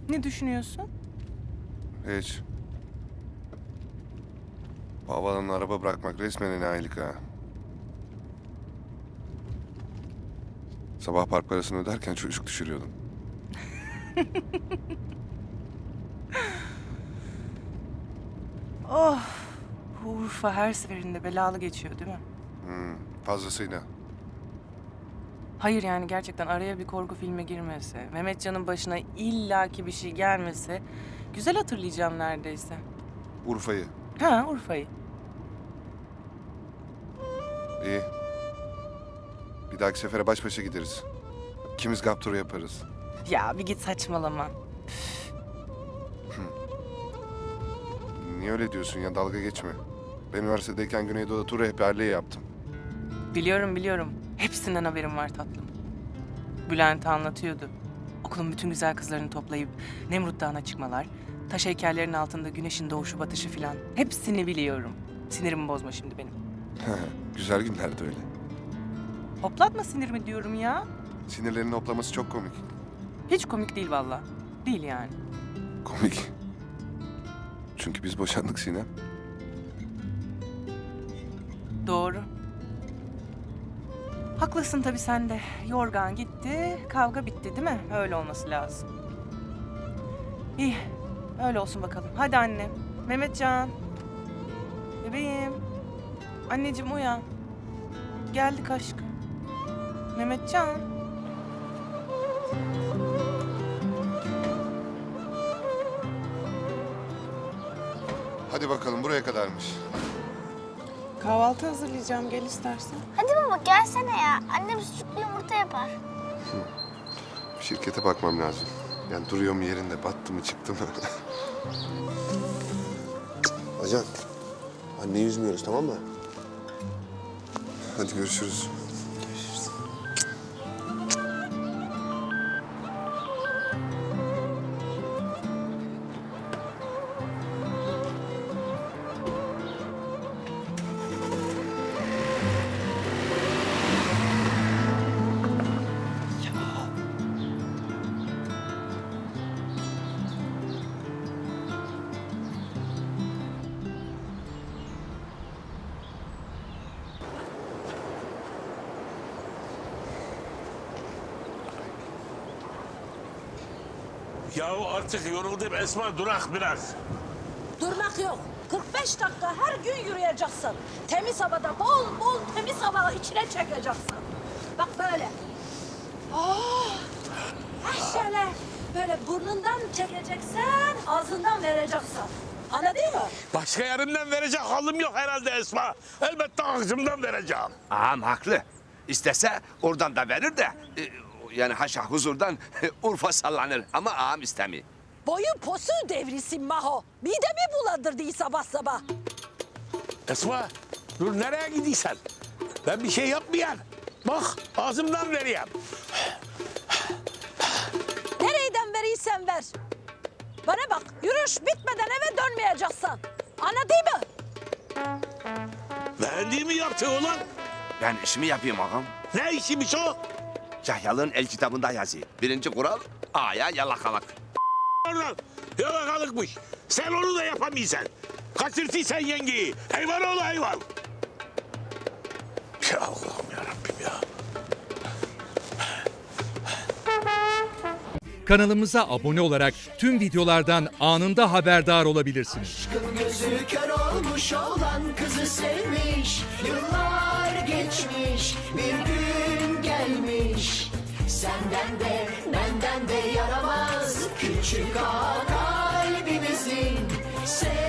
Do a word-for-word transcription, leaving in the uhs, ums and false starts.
Ne düşünüyorsun? Hiç. Bu havalanına araba bırakmak resmen enayilik ha. Sabah park parasını öderken çocuk düşürüyordum. Oh, bu Urfa her seferinde belalı geçiyor değil mi? Hmm, fazlasıyla. Hayır yani gerçekten araya bir korku filmi girmese, Mehmetcan'ın başına illaki bir şey gelmese... ...güzel hatırlayacağım neredeyse. Urfa'yı. Ha, Urfa'yı. İyi. Bir dahaki sefere baş başa gideriz. İkimiz gap turu yaparız. Ya bir git saçmalama. Niye öyle diyorsun ya? Dalga geçme. Ben üniversitedeyken Güneydoğu'da tur rehberliği yaptım. Biliyorum biliyorum. Hepsinden haberim var tatlım. Bülent anlatıyordu. Okulun bütün güzel kızlarını toplayıp Nemrut Dağı'na çıkmalar, taş heykellerin altında güneşin doğuşu batışı filan. Hepsini biliyorum. Sinirimi bozma şimdi benim. Güzel günlerdi öyle. Hoplatma sinirimi diyorum ya. Sinirlerinin hoplaması çok komik. Hiç komik değil vallahi. Değil yani. Komik. Çünkü biz boşandık Sinem. Doğru. Haklısın tabii sen de. Yorgan gitti, kavga bitti değil mi? Öyle olması lazım. İyi, öyle olsun bakalım. Hadi annem. Mehmetcan. Bebeğim. Anneciğim uyan. Geldik aşkım. Mehmetcan. Hadi bakalım buraya kadarmış. Kahvaltı hazırlayacağım. Gel istersen. Hadi baba gelsene ya. Annem sucuklu yumurta yapar. Şirkete bakmam lazım. Yani duruyor mu yerinde, battı mı çıktı mı? Ajan, anneyi üzmüyoruz tamam mı? Hadi görüşürüz. Görüşürüz. Yahu artık yoruldum Esma, durak biraz. Durmak yok. kırk beş dakika her gün yürüyeceksin. Temiz havada bol bol temiz hava içine çekeceksin. Bak böyle. Oh! Ha şöyle. Böyle burnundan çekeceksen, ağzından vereceksin. Anladın mı? Başka yerimden verecek halim yok herhalde Esma. Elbette ağzımdan vereceğim. Ağam haklı. İstese oradan da verir de... e, yani haşa huzurdan Urfa sallanır ama ağam istemiyor. Boyun posu devrisin Maho. Midemi bulandırdı sabah sabah. Esma, dur nereye gidiyorsun? Ben bir şey yapmayan. Bak ağzımdan vereyim. Nereyden verirsen ver. Bana bak, yürüyüş bitmeden eve dönmeyeceksin. Anladın mı? Beğendiğimi yaptı ulan. Ben işimi yapayım ağam. Ne işiymiş o? Cahyal'ın el kitabında yazıyor. Birinci kural ağaya yalakalık. Oradan yalakalıkmış. Sen onu da yapamayacaksın. Kaçırtıysan yengeyi. Hayvan ol hayvan. Ya Allah'ım yarabbim ya. Kanalımıza abone olarak tüm videolardan anında haberdar olabilirsiniz. Aşkın gözü kör olmuş olan kızı sevmiş. Yıllar geçmiş, bir gün gelmiş. Senden de benden de yaramaz küçük ağa kalbimizin. Sev